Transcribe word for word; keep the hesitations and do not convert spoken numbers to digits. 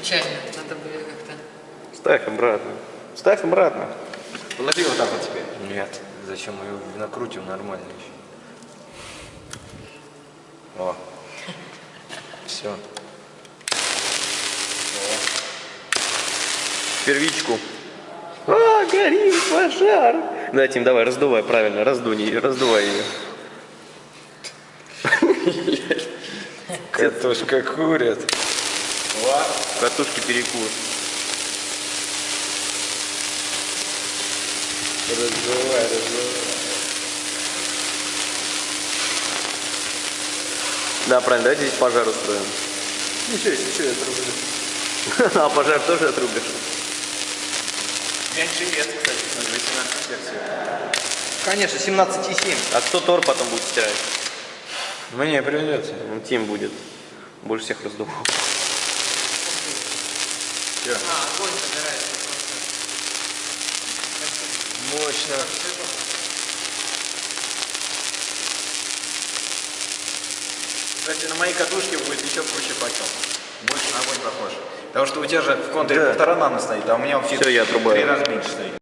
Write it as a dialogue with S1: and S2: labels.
S1: Изначально надо было как-то...
S2: Ставь обратно. Ставь обратно.
S3: Положи вот так вот теперь.
S2: Нет. Зачем мы его накрутим нормально еще? О. Все. Первичку. А, горит пожар. Да, Тим, давай, раздувай, правильно, раздуй, раздувай ее.
S3: Катушка курит.
S2: Катушки перекур.
S3: Раздувай, раздувай.
S2: Да, правильно, давайте здесь пожар устроим.
S3: Ничего, ничего, я отрублю.
S2: А пожар тоже отрубишь?
S3: Меньше вес, кстати, на восемнадцать версию.
S2: Конечно, семнадцать и семь. А кто тор потом будет стирать?
S3: Мне придется.
S2: Ну, Тим будет. Больше всех раздувал.
S3: Все.
S1: А, огонь собирается просто.
S3: Мощно. Кстати, на моей катушке будет еще круче факел. Больше на огонь похож. Потому что у тебя же в контуре
S2: Да.
S3: полтора нано стоит, а у меня вообще
S2: Всё, я отрубаю.
S3: три раза меньше стоит.